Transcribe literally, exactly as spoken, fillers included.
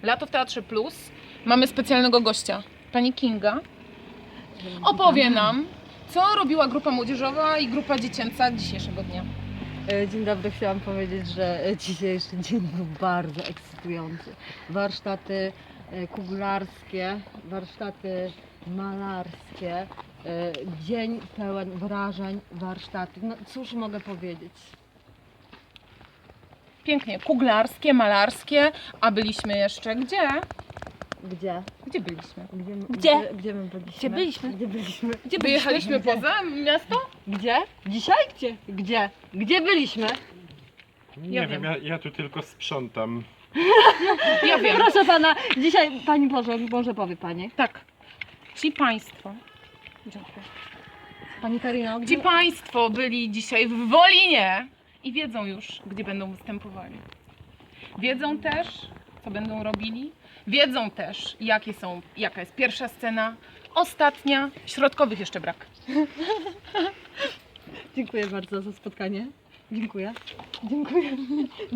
Lato w Teatrze Plus. Mamy specjalnego gościa, pani Kinga. Opowie nam, co robiła grupa młodzieżowa i grupa dziecięca dzisiejszego dnia. Dzień dobry, chciałam powiedzieć, że dzisiejszy dzień był bardzo ekscytujący. Warsztaty kuglarskie, warsztaty malarskie, dzień pełen wrażeń, warsztaty. No cóż mogę powiedzieć? Pięknie, kuglarskie, malarskie, a byliśmy jeszcze gdzie? Gdzie? Gdzie byliśmy? Gdzie? Gdzie? Gdzie, gdzie my byliśmy? Gdzie byliśmy? Gdzie byliśmy? Gdzie wyjechaliśmy Gdzie? poza miasto? Gdzie? Dzisiaj? Gdzie? Gdzie? Gdzie byliśmy? Nie Ja wiem, wiem. ja, ja tu tylko sprzątam. Ja wiem. Proszę pana, dzisiaj pani Boże, może powie pani. Tak. Ci państwo. Dziękuję. Pani Karino, gdzie? Ci państwo byli dzisiaj w Wolinie i wiedzą już, gdzie będą występowali. Wiedzą też, co będą robili. Wiedzą też, jakie są, jaka jest pierwsza scena, ostatnia, środkowych jeszcze brak. Dziękuję bardzo za spotkanie. Dziękuję. Dziękuję.